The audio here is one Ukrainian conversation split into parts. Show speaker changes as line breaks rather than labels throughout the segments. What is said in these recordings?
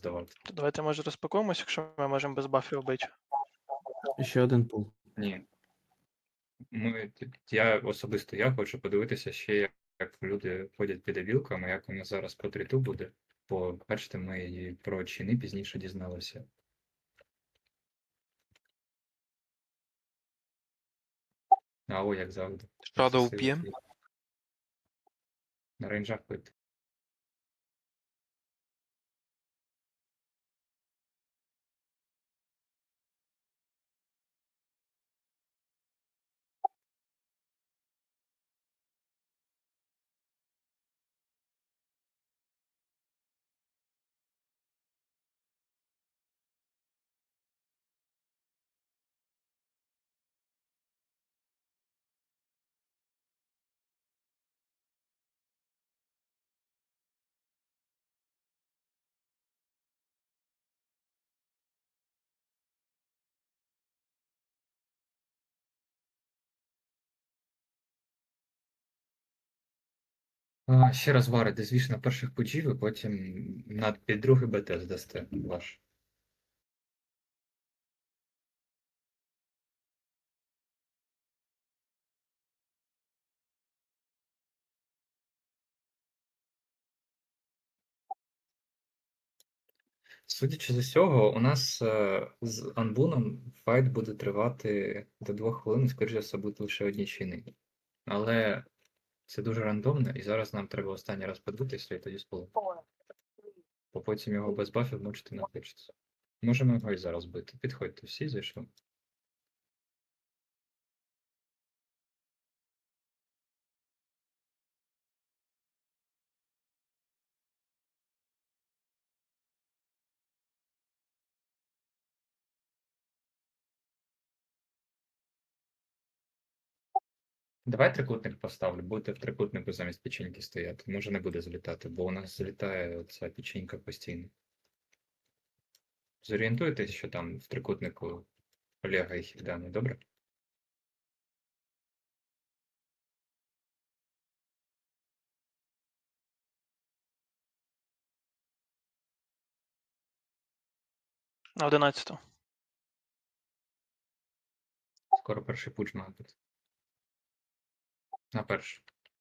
здавати.
То давайте, може, розпакуємось, якщо ми можемо без бафів бити.
Ще один пул.
Ні. Я особисто хочу подивитися ще, як люди ходять під авілками, як у нас зараз по тріту буде. Бо, бачите, ми і про чини пізніше дізналися. Ау, як завжди.
Shadow п'є.
На рейнджах пити. Ще раз варите, звісно, на перших пуджів, і потім під другий БТ здасте ваш. Судячи з усього, у нас з Анбуном файт буде тривати до 2 хвилин, скоріше за все, будуть лише одні чини. Але це дуже рандомно, і зараз нам треба останній раз подивитися, і тоді спалити. Бо потім його без бафів мучити не хочеться. Можемо його і зараз бити. Підходьте всі, зайшли. Давай трикутник поставлю, будете в трикутнику замість печеньки стояти. Може не буде злітати, бо у нас злітає ця печенька постійно. Зорієнтуйтесь, що там в трикутнику Олега і Хільдани, добре?
На 11-ту.
Скоро перший пуч має бути. На перший.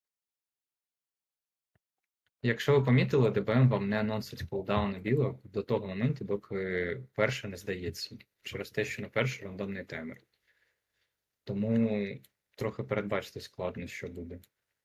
Якщо ви помітили, ДБМ вам не анонсить кулдауни білок до того моменту, доки перше не здається. Через те, що на перший рандомний таймер. Тому трохи передбачити складно, що буде.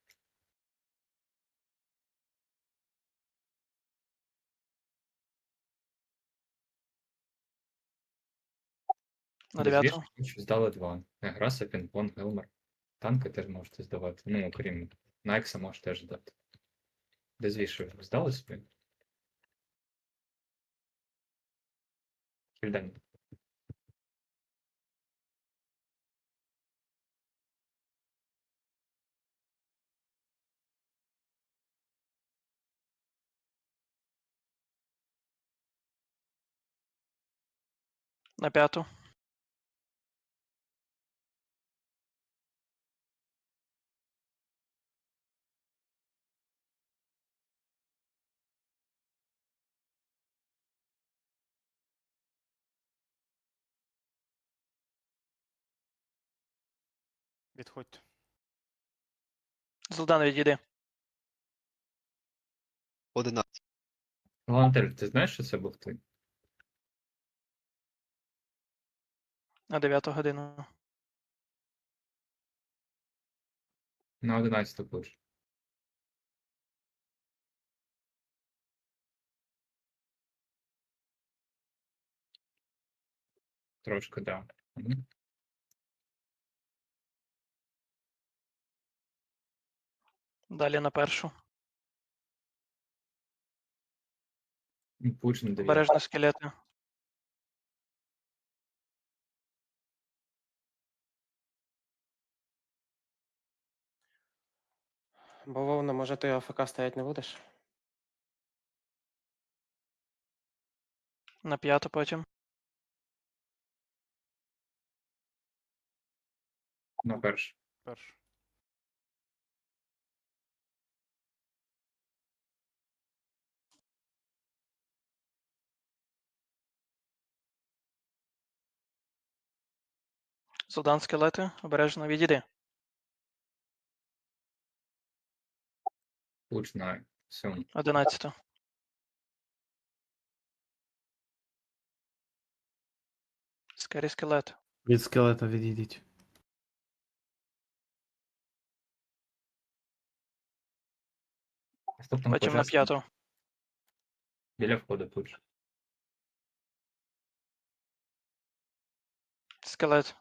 На
Без
9-ту.
вішки здали 2. Граса, Пінг-понг, Гелмер. Танки теж можете здавати. Ну, окрім Найкса можете теж здати. Без вішок здали собі? Хільдані.
На 5-ту.
Відходьте.
Золдан, відійди.
11.
Волонтер, ти знаєш, що це був ти?
На 9-ту годину.
На 11 пуч. Трошки, да. Мгм.
Далі на першу.
І пуч на 9.
Обережно скелети.
Бавовна, може ти АФК стоять не будеш?
На 5-ту потім.
На перший.
Перш.
Зодан скелети, обережно відійди.
Луч на 7.
11. Скері скелет.
Від скелета відійдіть.
Наступного
Потім на
божественного.
5.
Біля входу тут же.
Скелет.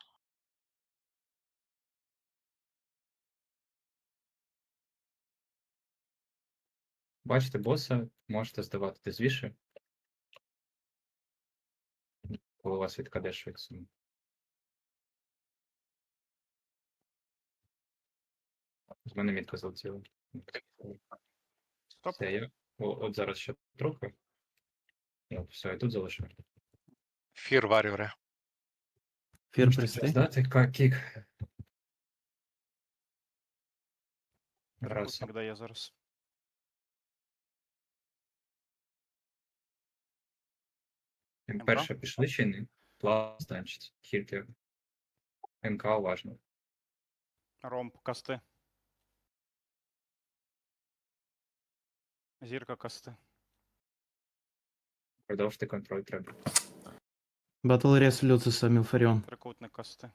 Бачите боса, можете здавати дезвіше. Коли у вас відкаде швидше. З мене мітка залетіла.
Стоп.
Все, я. От зараз ще трохи. От, все, я тут залишу.
Фір варюре.
Фір
Можете
присти.
здати кік. Раз.
Трикутник дає зараз.
Перше пішли чи ні? План станчить. Хільки. МК уважно.
Ромб, касти. Зірка касти.
Продовжити контроль треба.
Батл рес Люциса Мілфаріон.
Трикутник касти.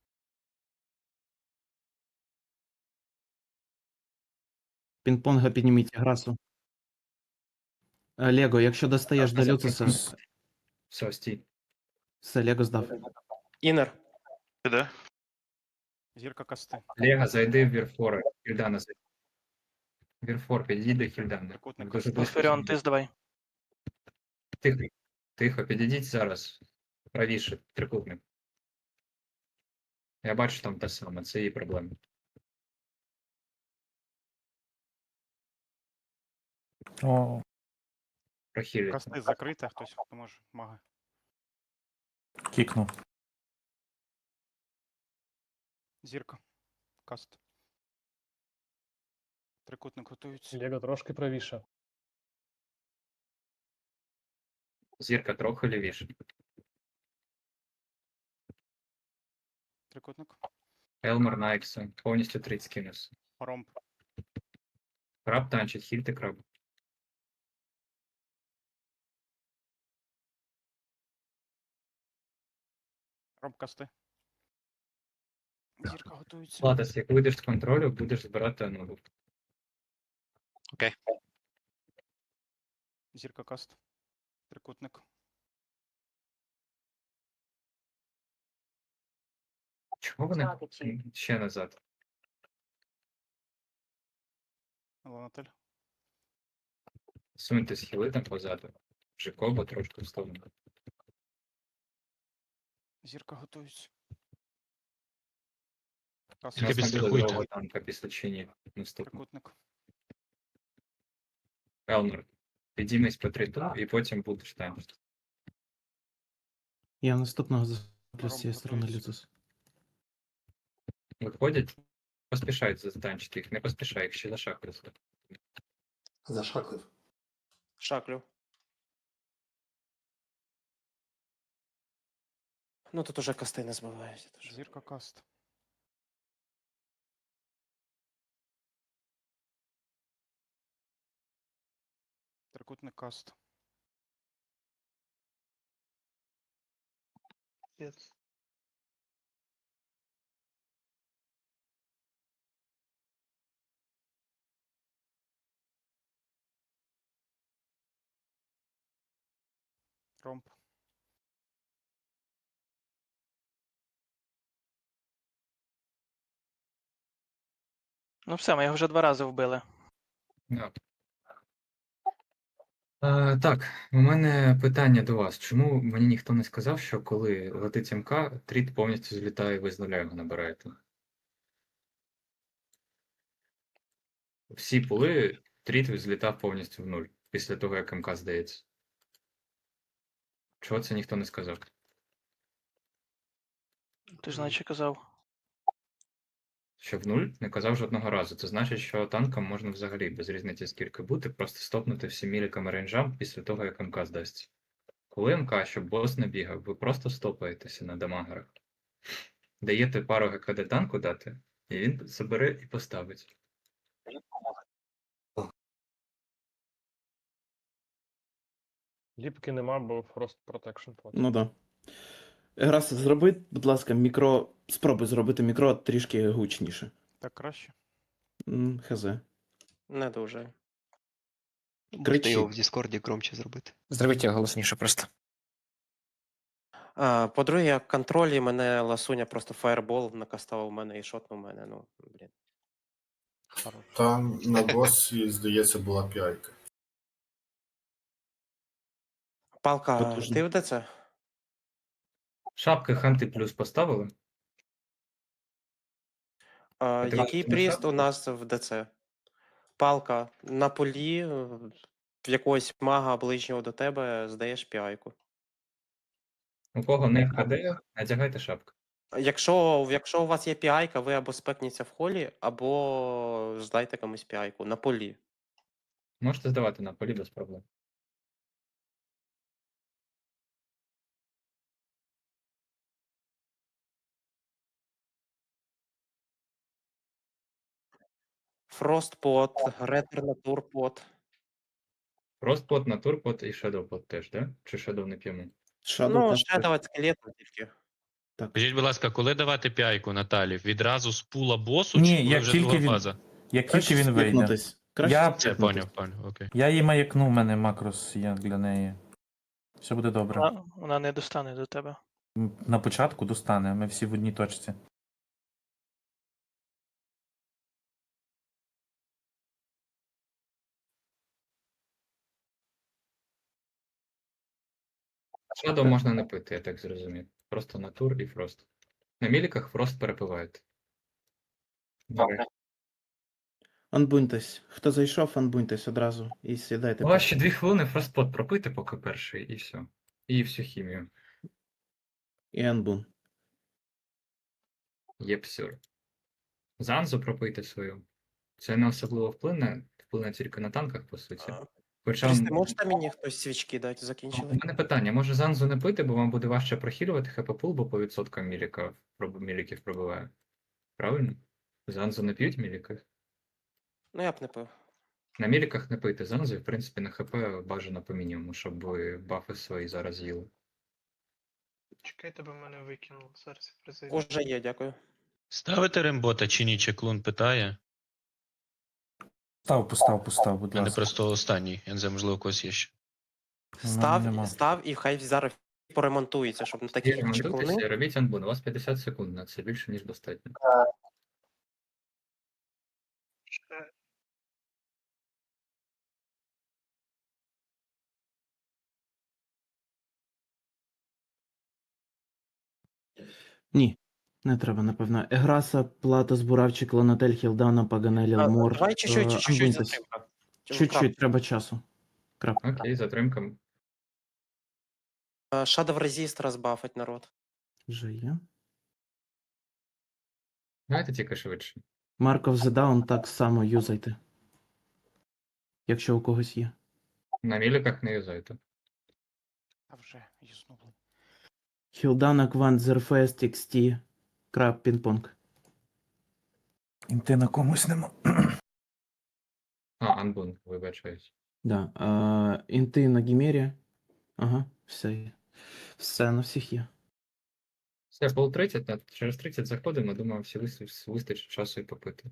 Пінг-понга підніміть грасу. Лего, якщо достаєш до
Так,
Люциса,
Все, стій.
все, Лего здав.
Інер.
Де?
Зірка касти.
Лего, зайди в Вірфора. Хільдана зайди. Вірфор, підійди до Хільдана.
Трикутник
Дуже
касти.
близько.
Феріон, ти здавай.
Тихо. Тихо, підійдіть зараз. Правіше, трикутник. Я бачу там те саме, це її проблема.
О,
Прохилі.
Касти закрита, хтось може. Мага.
кікнув.
Зірка. Каст. Трикутник готується.
Лего трошки правіше.
Зірка трохи лівіше.
Трикутник.
Елмер Найкса. Повністю 30 кинувся.
Ромб.
Краб танчить, хільте краб.
Ромб касти. Зірка готується.
Латес, як вийдеш з контролю, будеш збирати анулу.
Зірка каст. Трикутник.
Чого вони ще назад?
Ланатель.
Суньте схили там позаду. Жикоба трошки вставлено.
Зірка готується.
У
Каст.
нас не буде
підстрахуйте.
другого танка після чині наступного.
Трикутник.
Елмер, підіймись по 3 і потім будеш танчити.
Я наступного заплю з цієї сторони
готується.
Люцис.
Виходять, поспішають затанчити їх, не поспішай, їх ще зашахуються.
Зашаклив.
Шаклю.
Ну тут уже касти не збивають.
Зірка каст. Трикутник каст. Ромб.
Ну все, ми його вже 2 рази вбили.
Да. Так, у мене питання до вас. Чому мені ніхто не сказав, що коли летить МК, тріт повністю злітає і ви з нуля його набираєте? Всі пули тріт злітав повністю в нуль після того, як МК здається. Чого це ніхто не сказав?
Ти ж наче казав.
Що в нуль не казав жодного разу. Це значить, що танкам можна взагалі без різниці скільки бути, просто стопнути всім міліками рейнджам після того, як МК здасться. Коли МК, щоб бос не бігав, ви просто стопаєтеся на дамагерах. даєте пару ГКД танку дати, і він забере і поставить.
Ліпки нема, бо Frost Protection проти.
Ну да. Грас, зроби, будь ласка, мікро. Спробуй зробити мікро трішки гучніше.
Так краще.
Хз.
Не дуже.
Кричи.
Його в Діскорді громче зробити.
Зробіть його голосніше просто. По-друге, контролі мене ласуня просто фаербол накастав у мене і шотнув мене. Ну, блін.
Там на босі, здається, була п'яйка.
Палка,
Потужно.
ти в ДЦ?
Шапки ханти плюс поставили. ти
Який
бачиш, на
пріст
шапку?
у нас в ДЦ? Палка на полі в якогось мага ближнього до тебе здаєш піайку.
У кого не ГКД, надягайте шапку.
Якщо у вас є піайка, ви або спекніться в холі, або здайте комусь піайку на полі.
Можете здавати на полі без проблем.
Фростпот, ретер натурпот.
Фростпот, натурпот і шедовпот теж, да? Чи шедов не п'ємо?
Shadow
Ну,
теж
ще давати скелету тільки.
так.
Скажіть, будь ласка, коли давати п'яйку Наталі? Відразу з пула босу,
Ні,
чи коли
як
вже
тільки
друга
він-
фаза?
Як
Краще
тільки він вийде.
спікнутись. Краще
Я-
Це
спікнутись.
поняв, окей.
Я її маякну, в мене макрос є для неї. Все буде добре.
Вона не достане до тебе.
На початку достане, ми всі в одній точці.
Шедов можна не пити, я так зрозумів. Просто натур і фрост. На міліках фрост перепиваєте. Добре.
Анбуньтесь. Хто зайшов, анбуньтесь одразу і сідайте.
У вас ще 2 хвилини фростпот пропити, поки перший, і все. І всю хімію.
І анбун.
Єпсюр. Занзу пропийте свою. Це не особливо вплине тільки на танках, по суті. Хоча
Прісти, можете мені хтось свічки дати?
у
Закінчили?
мене питання, може Занзу не пити, бо вам буде важче прохилювати хп-пул, бо по відсоткам міліків пробиває. Правильно? Занзу не п'ють міліки?
Ну, я б не пив.
На міліках не пийте Занзу, і в принципі на хп бажано по мінімуму, щоб ви бафи свої зараз їли.
Чекайте, бо мене викинуло. Зараз я призиваю.
Уже є, дякую.
Ставите рембота чи ні? Чеклун питає.
Постав, будь
У мене
ласка.
просто останній. Я не знаю, можливо, у когось є ще.
нема.
Став і хай зараз поремонтується, щоб на такі чеклуни.
Ремонтуйтеся і робіть анбун, у вас 50 секунд на це, більше ніж достатньо.
Ні. Не треба, напевно. Еграса, Платос, Буравчик, Лонатель, Хілдана, Паганелі, Мор.
Давай чуть-чуть
Анбуньтесь.
затримка.
Чуть-чуть, треба часу. Крапка.
Окей, затримка.
Shadow Resist розбафать народ.
Вже є.
Давайте тільки швидше.
Mark of the Down так само юзайте. Якщо у когось є.
На міліках не юзайте.
А вже юзнули.
Хілдана, Квант, Зерфест, XT, Краб, Пінг-понг.
Інти на комусь нема.
Анбун, вибачаюсь.
Да. Інти на Гімері. Ага, все є. Все, на всіх є.
Все, пол 30, через 30 заходимо, думаю, всі вистачить часу і попити.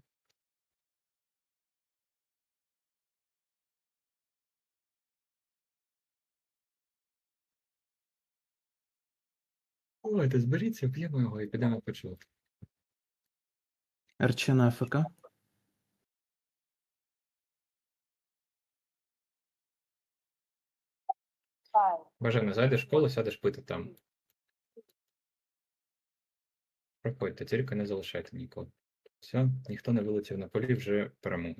Давайте зберіться, п'ємо його і підемо почувати.
РЧ на АФК.
Бажано, зайдеш в школу, сядеш пити там. Проходьте, тільки не залишайте нікого. Все, ніхто не вилетів на полі, вже перемога.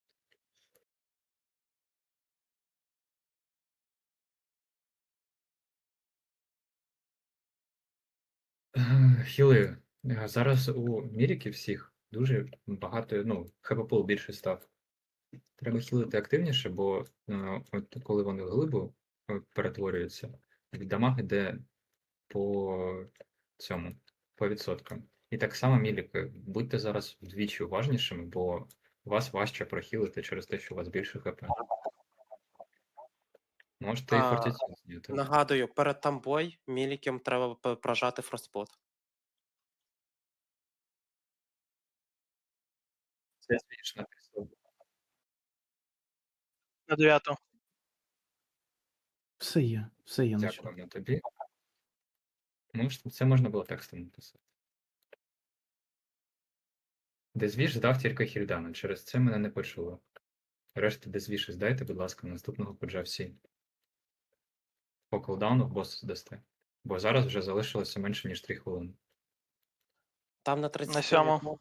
Хіли. Зараз у міріків всіх дуже багато, ну, хп-пул більше став. Треба хілити активніше, бо от коли вони в глибу перетворюються, від дамаг іде по цьому, по відсоткам. І так само, Міліки, будьте зараз вдвічі уважнішими, бо вас важче прохилити через те, що у вас більше ХП. Можете і
А,
фортіці зняти.
Нагадую, перед тамбой мілікем треба прожати фростпот.
Це смішно.
На 9.
Все є на чому.
Дякуємо тобі. Це можна було текстом написати. Дезвіш здав тільки Хільдана, через це мене не почуло. Решта дезвіші здайте, будь ласка, наступного пуджа всі. По колдауну бос здасте. Бо зараз вже залишилося менше, ніж 3 хвилини.
Там на 30.
На 7.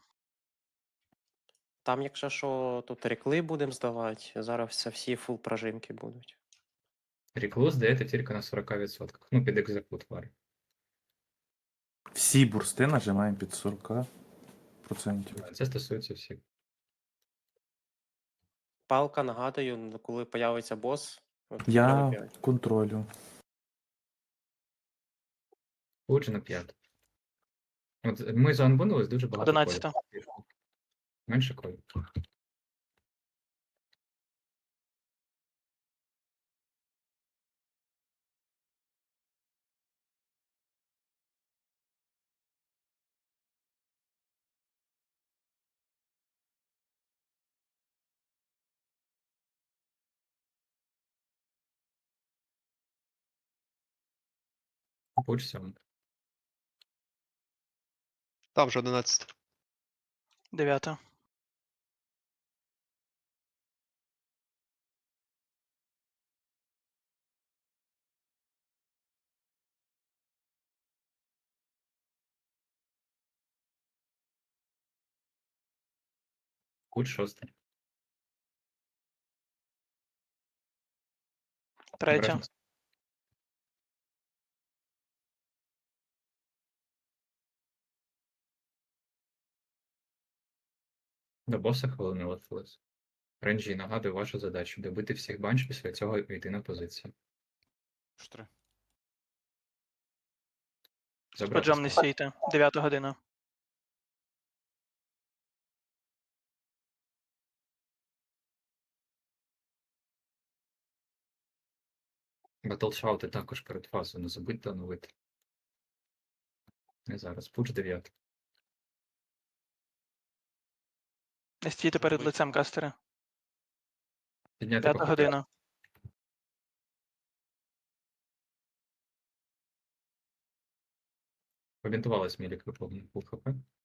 Там, якщо що, тут рекли будемо здавати, зараз всі фул прожимки будуть.
Ріклу здаєте тільки на 40%. Ну, під екзекут варі.
Всі бурсти нажимаємо під 40%.
Це стосується всіх.
Палка, нагадую, коли появиться бос, от
Я
треба 5.
контролю.
Пудж на 5. От ми заанбонились дуже багато
11.
колів. Менше колів. Пудж 7.
Там вже 11.
9.
Пудж 6.
3.
До боса хвилини лишилось. Ренджі, нагадую вашу задачу добити всіх банч, після цього йти на позицію.
4.
З
Забрати
пуджем не
слово.
стійте. 9 година.
Батлшаути також перед фазою, не забудьте оновити. Не зараз. Пудж 9.
Не стійте перед лицем кастера.
Підняти
5
по хп.
година.
Побінтувалась Мілік виповнив пул хп.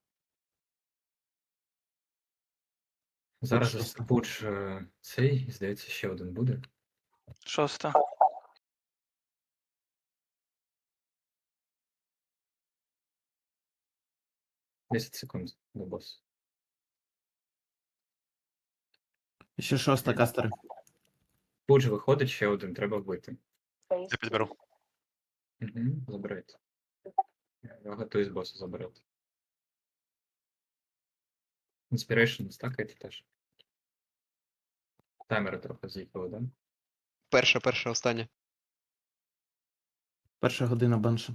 Зараз пудж цей, здається, ще один буде.
6.
10 секунд до босу.
Ще 6 кастери.
Пудж виходить, ще один, треба вбити.
Я підберу.
Угу, забирайте. Я готуюсь боса забирати. Inspiration стакайте теж. Таймери трохи з'їхали, да?
Перша, остання.
1 година банша.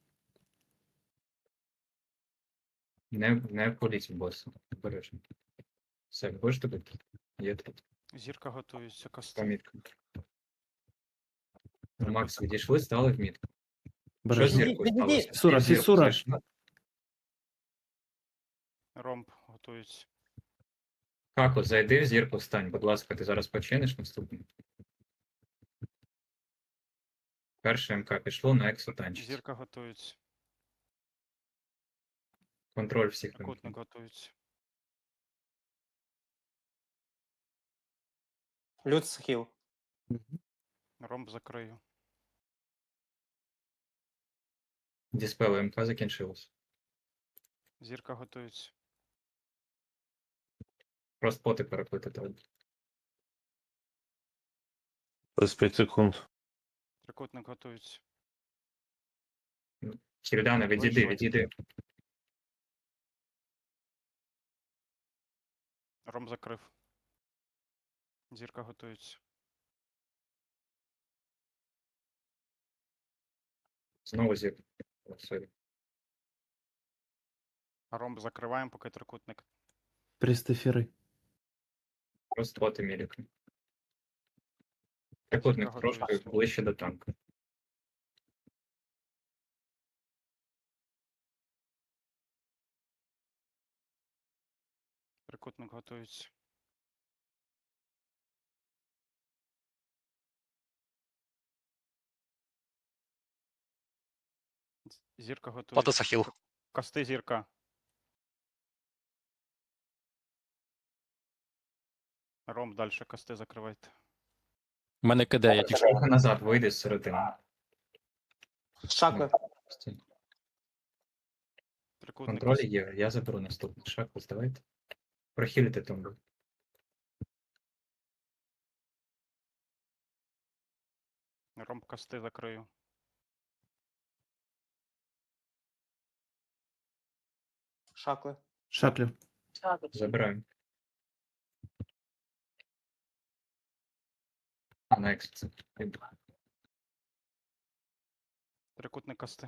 Не політь боса. Обережно. Все, будеш тобі? Є тут.
Зірка готується, кости.
Помітка. Макс, відійшли, стали в мітку. Що з
Бережно.
зіркою сталося?
Фісура,
Зірку
фісура.
знайшли?
Ромб готується.
Како, зайди в зірку, встань, будь ласка, ти зараз починиш наступний. Перше МК пішло на ексо танчить.
Зірка готується.
Контроль всіх МК.
Трикутник готується.
Люд схил.
Мгм.
Ромб закрию.
Діспел МК закінчилось.
Зірка готується.
Просто поти переплити треба.
25 секунд.
Трикутник готується.
Кірдане, відійди,
Вийшли.
відійди.
Ромб закрив. Зірка готується.
Знову зірка. О, сорі.
Ромб закриваємо, поки трикутник.
Пристефіри.
Розтвоти міліка. Трикутник
Зірка
трошки
готується.
ближче до танка.
Трикутник готується. Зірка готується.
Плата Сахіл.
Касти зірка. Ромб далі касти закривайте.
У мене КД, я тільки.
Трохи назад вийди з середини.
Шакли.
Трикутник
Контроль
касти.
є, я заберу наступний шаг, здавайте. Прохилити тумбу.
Ромб касти закрию.
Шакли.
Шаклю.
Забираємо. А на екс.
Трикутник касти.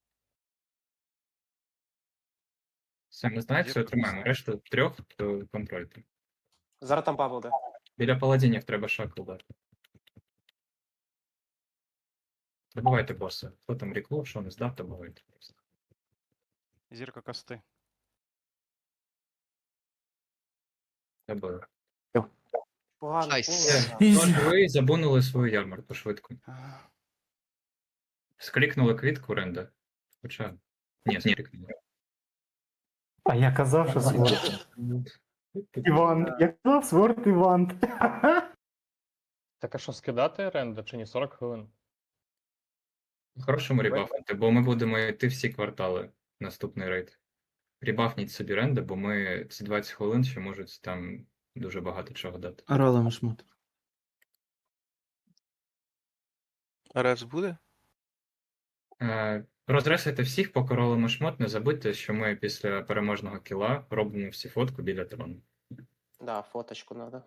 Все, ми знаєте, що
Зірка
тримаємо.
касти.
Решту трьох, то контрольте.
Зараз там па буде.
Біля паладінів треба шаг ударити. Добивайте боса. Хто там ріклов, що не здав, добивайте просто.
Зірка касти.
Добили.
Погано.
Найс.
погано.
Тож ви забунули свою ярмарку швидко. Склікнули квітку Ренда. Хоча. Ні, склікнули.
А я казав, що сворд. Іван, я казав сворд Іван.
Так а що, скидати ренда чи ні? 40 хвилин?
Хорошому ребафнути, бо ми будемо йти всі квартали наступний рейд. Ребафніть собі Ренда, бо ми ці 20 хвилин ще можуть там дуже багато чого дати.
Ролем шмот.
Ревс буде?
Розресайте всіх, поки ролимо шмот, не забудьте, що ми після переможного кіла робимо всі фотку біля трону.
Да, фоточку надо.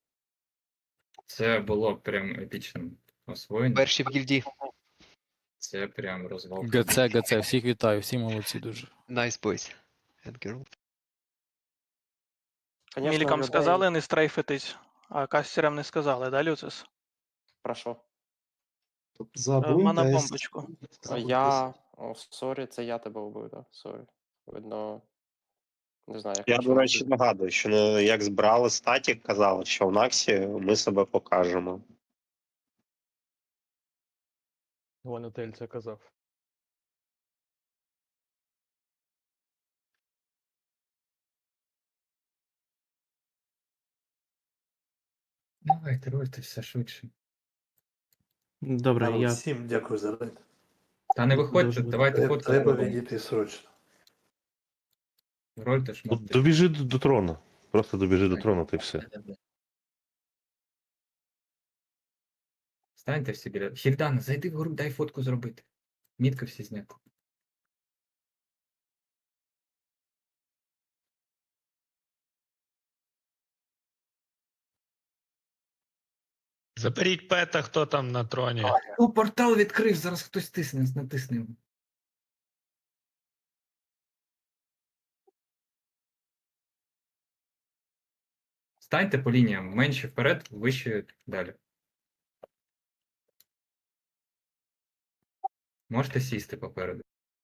Це було прям епічним освоєнням.
Перші в гільді.
Це прям розвал.
ГЦ, всіх вітаю, всі молодці дуже.
Nice boys. And girl.
Конечно,
Мілікам
людей-
сказали не стрейфитись, а кастерам не сказали, да, Люцис?
Про що?
Мана бомбочку.
Я. О, сорі, це я тебе вбив, да? Сорі. Видно. Не знаю, як
Я,
почув.
до речі, нагадую, що як збирали статік, казали, що в Наксі ми себе покажемо.
Вонотель це казав.
Давайте, рольте все швидше.
Добре, я.
Всім дякую за рейд.
Та не виходьте,
Дуже
давайте фотку.
Треба
зробимо.
відійти срочно.
Рольте шмот.
Добіжи до трону. Просто добіжи до трону, ти все.
Станьте всі біля. Хільдана, зайди в гру, дай фотку зробити. Мітка всі зняти.
Заберіть пета, хто там на троні.
О, портал відкрив, зараз хтось тисне, натисне. його. Станьте по лініям, менше вперед, вище далі. Можете сісти попереду.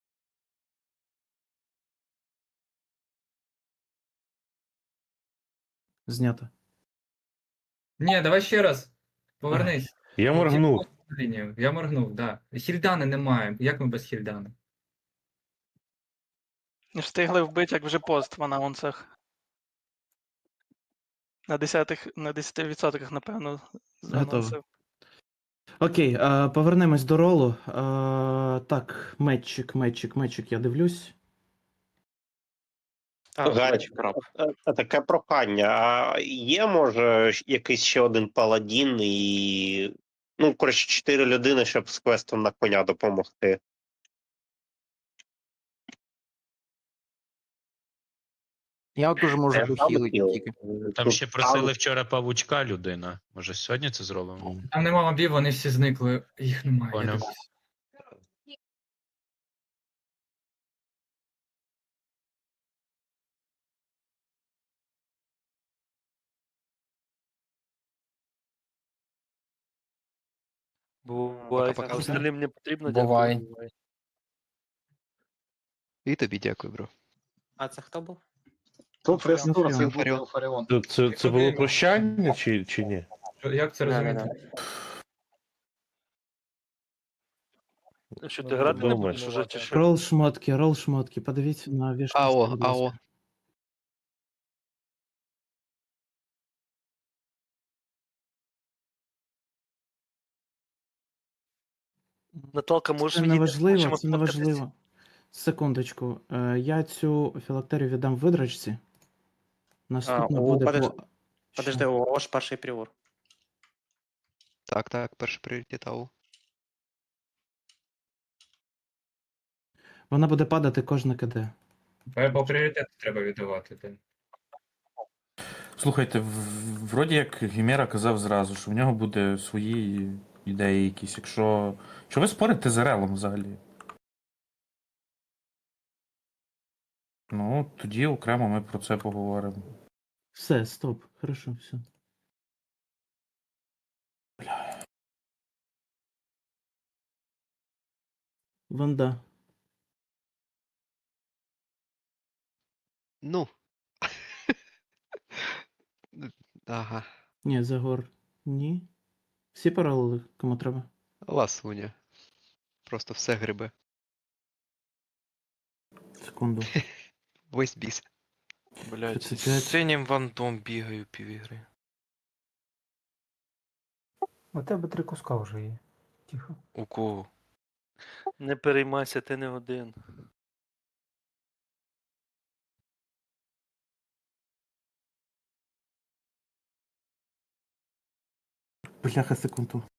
Знято.
Ні, давай ще раз. Повернись.
Я
моргнув. Лінію. Я моргнув, так. Да. Хільдани немає. Як ми без Хільдани?
Не встигли вбити, як вже пост в анонсах. На 10%, напевно, заносив.
Окей, повернемось до ролу. Так, метчик, я дивлюсь.
Гаррі, таке прохання. А є, може, якийсь ще один паладін і. Ну, коротше, 4 людини, щоб з квестом на коня допомогти.
Я дуже можу
Там ще просили вчора павучка людина. Може сьогодні це зробимо?
Там нема мобів, вони всі зникли. Їх немає. я
Поняв.
дивлюсь.
Бувай.
Пока-пока.
Остальним
не потрібно,
Бувай.
І тобі дякую, бро.
А це хто був?
Фаріон.
Це було
прощання чи ні?
Як це розуміти?
Що
ти грати не будеш
уже чи
Рол шмотки, подивіться на вішку.
АО.
Наталка,
Це не важливо, це не важливо. Секундочку. Я цю філактерію віддам видрачці. Наступна буде по...
Подожди,
Що?
ось перший пріор.
Так, перший пріоритет АО.
Вона буде падати кожне КД.
По пріоритету треба віддавати. Так.
Слухайте, вроді як Гімера казав зразу, що в нього буде свої ідеї якісь. Якщо ви спорите з Релом взагалі? Ну, тоді окремо ми про це поговоримо.
Все, стоп. Хорошо, все. Ванда.
Ну. Ага.
Ні, Загор. Ні. Всі паралели, кому треба.
Ласуня. Просто все грибе.
Секунду.
Весь біс.
Блядь, з
синім вантом бігаю півігри.
У тебе 3 куска вже є. Тихо.
У кого?
Не переймайся, ти не один.
Бляха, секунду.